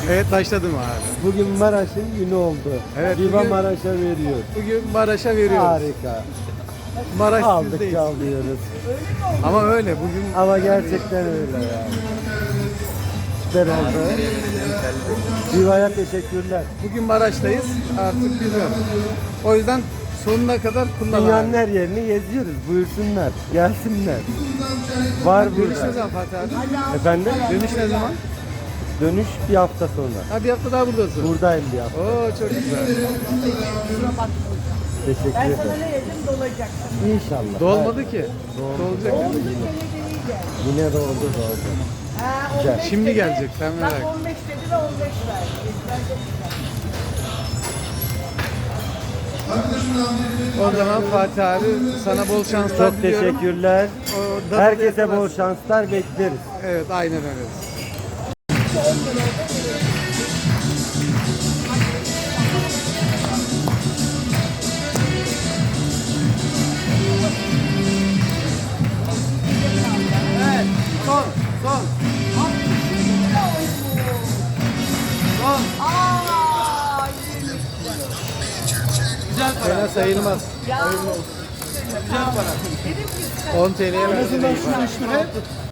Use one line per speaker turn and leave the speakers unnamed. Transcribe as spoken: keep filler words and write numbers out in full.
Evet başladım abi.
Bugün Maraş'ın günü oldu.
Evet,
Viva
bugün-
Maraş'a veriyor.
Bugün Maraş'a veriyoruz.
Harika.
Maraş
Aldık
sizdeyiz.
çalıyoruz.
Ama öyle bugün
Ama gerçekten öyle yani. Süper oldu. Viva'ya teşekkürler.
bugün Maraş'tayız. Artık biliyorum. O yüzden sonuna kadar kullan
Dünyanın
abi.
her yerini geziyoruz. Buyursunlar. Gelsinler. Var
Dönüş ne
burada.
zaman Fatih abi?
Efendim?
Dönüş ne zaman?
Dönüş bir hafta sonra.
Ha bir hafta daha buradasın.
Buradayım bir hafta.
Oo çok güzel.
Teşekkür
Ben sana
ederim.
ne yedim dolacak.
İnşallah.
Dolmadı ki.
Doldu.
Dolacak.
Oldu sene geliydi.
Yine doldu doldu.
Ha,
Güzel.
on beş
Şimdi
dedi,
gelecek, sen merak
bak
etme.
on beş dedi ve on beş verdi. Bence güzel.
O zaman Fatih abi sana bol şanslar
Çok
diliyorum.
teşekkürler.
O dadı
Herkese
da
bol
yapamaz.
şanslar bekleriz.
Evet aynen öyle. Evet, son, son. Son.
Aa,
Güzel para. Fena sayılmaz.
ya.
Güzel para.
Dedim ki
on T L'ye versin.